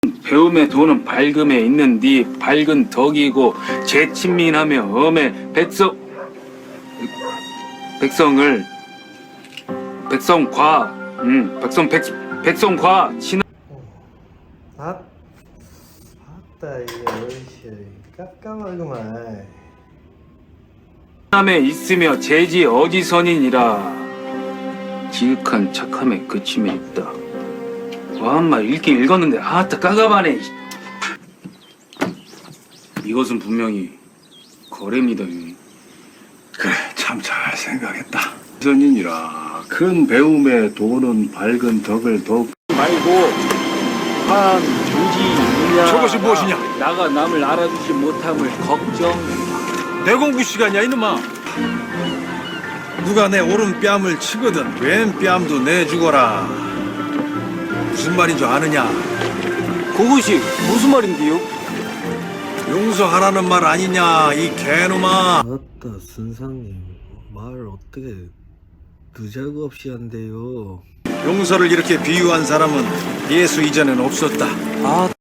배움의 도는 밝음에 있는 네 밝은 덕이고 재친민하며 엄의 백성과 친하 아따 이게 어이씨 깜깜하구만. 함에 있으며 재지 어지선이니라. 지극한 착함에 그침에 있다. 와, 엄마 읽긴 읽었는데 아따 까가바네. 이것은 분명히 거래입니다. 그래, 참 잘 생각했다. 선인이라 큰 배움에 도는 밝은 덕을 더욱 말고 한 조지 무냐. 저것이 무엇이냐? 나가 남을 알아주지 못함을 걱정. 내 공부 시간이야 이놈아. 누가 내 오른 뺨을 치거든 왼 뺨도 내주거라. 무슨 말인 줄 아느냐? 그것이 무슨 말인데요? 용서하라는 말 아니냐 이 개놈아. 아따 선상님 말 어떻게 느자고 없이 한대요. 용서를 이렇게 비유한 사람은 예수 이전엔 없었다. 아